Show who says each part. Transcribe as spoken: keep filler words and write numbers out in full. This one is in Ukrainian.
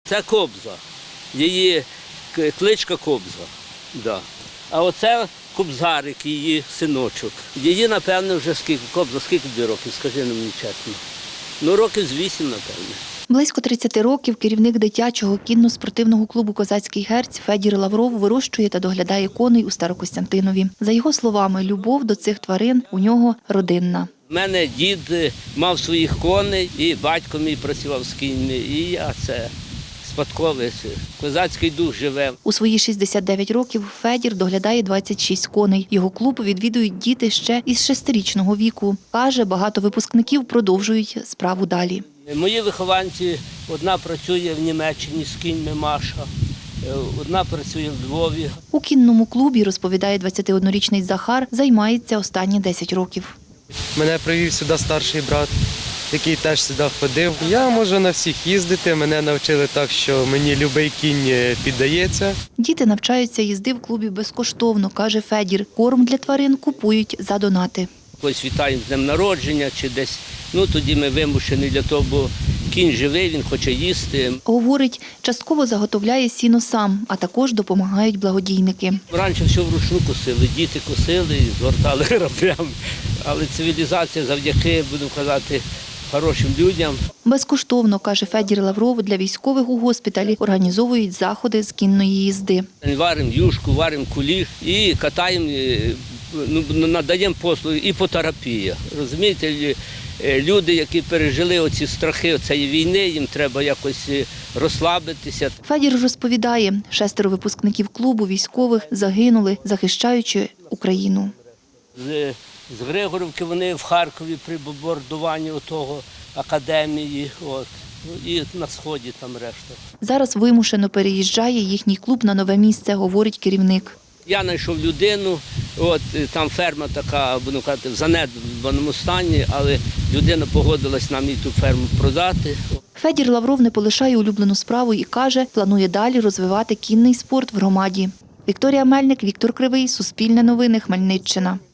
Speaker 1: Це Кобза, її кличка Кобза. Да. А оце Кобзарик, її синочок. Її, напевно, вже скільки, Кобза, скільки тобі років, скажи мені чесно. Ну, років з вісім, напевно.
Speaker 2: Близько тридцяти років керівник дитячого кінно-спортивного клубу «Козацький герць» Федір Лавров вирощує та доглядає коней у Старокостянтинові. За його словами, любов до цих тварин у нього родинна.
Speaker 1: У мене дід мав своїх коней, і батько мій працював з кіньми, і я це спадковий, козацький дух живе.
Speaker 2: У свої шістдесят дев'ять років Федір доглядає двадцять шість коней. Його клуб відвідують діти ще із шестирічного віку. Каже, багато випускників продовжують справу далі.
Speaker 1: Мої вихованці, одна працює в Німеччині з кіньми, Маша, одна працює в Львові.
Speaker 2: У кінному клубі, розповідає двадцятиоднорічний Захар, займається останні десять років.
Speaker 3: Мене привів сюди старший брат, який теж сюди ходив. Я можу на всіх їздити, мене навчили так, що мені будь-який кінь піддається.
Speaker 2: Діти навчаються їзди в клубі безкоштовно, каже Федір. Корм для тварин купують за донати.
Speaker 1: Когось вітаємо з днем народження чи десь, ну тоді ми вимушені для того, бо кінь живий, він хоче їсти.
Speaker 2: Говорить, частково заготовляє сіно сам, а також допомагають благодійники.
Speaker 1: Раніше все вручну косили, діти косили і згортали граблями. Але цивілізація завдяки, буду казати, хорошим людям.
Speaker 2: Безкоштовно, каже Федір Лавров, для військових у госпіталі організовують заходи з кінної їзди.
Speaker 1: Варимо юшку, варимо куліш і катаємо, ну, надаємо послуги іпотерапія. Розумієте, люди, які пережили оці страхи цієї війни, їм треба якось розслабитися.
Speaker 2: Федір розповідає, шестеро випускників клубу військових загинули, захищаючи Україну.
Speaker 1: З, з Григорівки вони в Харкові при бомбардуванні того академії, от, і на Сході там решта.
Speaker 2: Зараз вимушено переїжджає їхній клуб на нове місце, говорить керівник.
Speaker 1: Я знайшов людину, от там ферма така, буду казати, в занедбаному стані, але людина погодилась нам її ту ферму продати.
Speaker 2: Федір Лавров не полишає улюблену справу і каже, планує далі розвивати кінний спорт в громаді. Вікторія Мельник, Віктор Кривий, Суспільне новини, Хмельниччина.